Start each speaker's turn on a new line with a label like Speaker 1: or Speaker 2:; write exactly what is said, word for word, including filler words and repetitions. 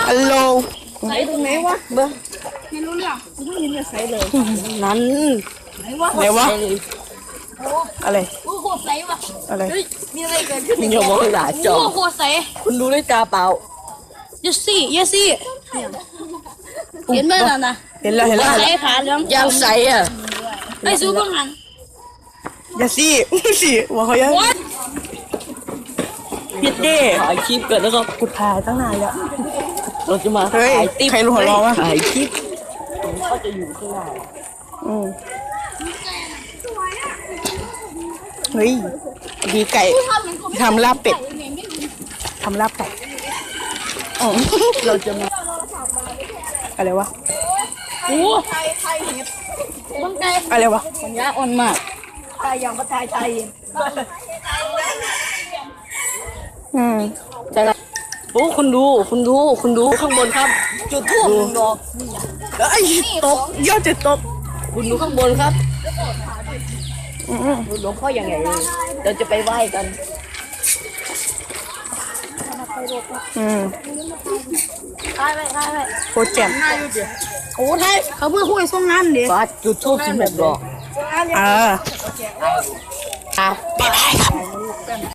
Speaker 1: ฮัลโหล
Speaker 2: ใส่ตรงไหนวะเบอร์ไม่รู้เรื่องไม่ยินจะใส่เลยนั้นไหนวะ
Speaker 1: ไหนวะอะไร
Speaker 2: โอ้โหใส่วะ
Speaker 1: อะไร
Speaker 2: มีอะไรเกิดขึ้นใน
Speaker 3: อย่ามองหลาจอ
Speaker 2: โอ้โหใส่
Speaker 3: คุณดูด้วยตาเปล่า
Speaker 2: เยซี่เยซี่เห็นไหมล่ะนะ
Speaker 1: เห็นแล้วเห็นแล้ว
Speaker 2: ใส่ขาเหลือง
Speaker 3: ยังใสอ่ะ
Speaker 2: ไอ้ซูเปอร์หัน
Speaker 1: อย่าสิสิว่าเขายัง
Speaker 2: วัด
Speaker 1: ผิดดิ
Speaker 3: ถ่ายคลิปกันแล้วก็
Speaker 1: กูถ่ายตั้งนานแล้ว
Speaker 3: เราจะมา
Speaker 1: เฮ้ย
Speaker 3: ถ่ายติ๊บ
Speaker 1: ใครรู้หัวเราะวะ
Speaker 3: ถ่ายคลิปเขาจะอยู่ข้างหน้า
Speaker 1: อืมเฮ้ยดีไก่ทำลาบเป็ดทำลาบไก่อ๋อ
Speaker 3: เราจะมา
Speaker 1: อะไรวะ
Speaker 2: โอ้ไทยไทยเห็ดบังไก่
Speaker 1: อะไรวะ
Speaker 2: ปัญญาอ่อนมากไก่อย่างประไทยไทย
Speaker 1: อืม
Speaker 3: ใช่ไหมโอ้คุณดูคุณดูคุณดูข้างบนครับ จุดทูบหนึ่งดอก
Speaker 1: เอ้ยตกยอดจะตก
Speaker 3: คุณดูข้างบนครับ
Speaker 1: อืม
Speaker 3: หลวงพ่ออย่างไรเลยเราจะไปไหว้กัน
Speaker 1: อืม
Speaker 2: ไทยไปไทยไป
Speaker 1: โคตรแจ่ม
Speaker 2: โอ้ไทยเขาเพื่อคุยส่งงานดิ
Speaker 3: ฟาดจุดทูบสิบหกดอก
Speaker 1: อ่า
Speaker 3: อ่ะ
Speaker 1: บ๊ายบายครับ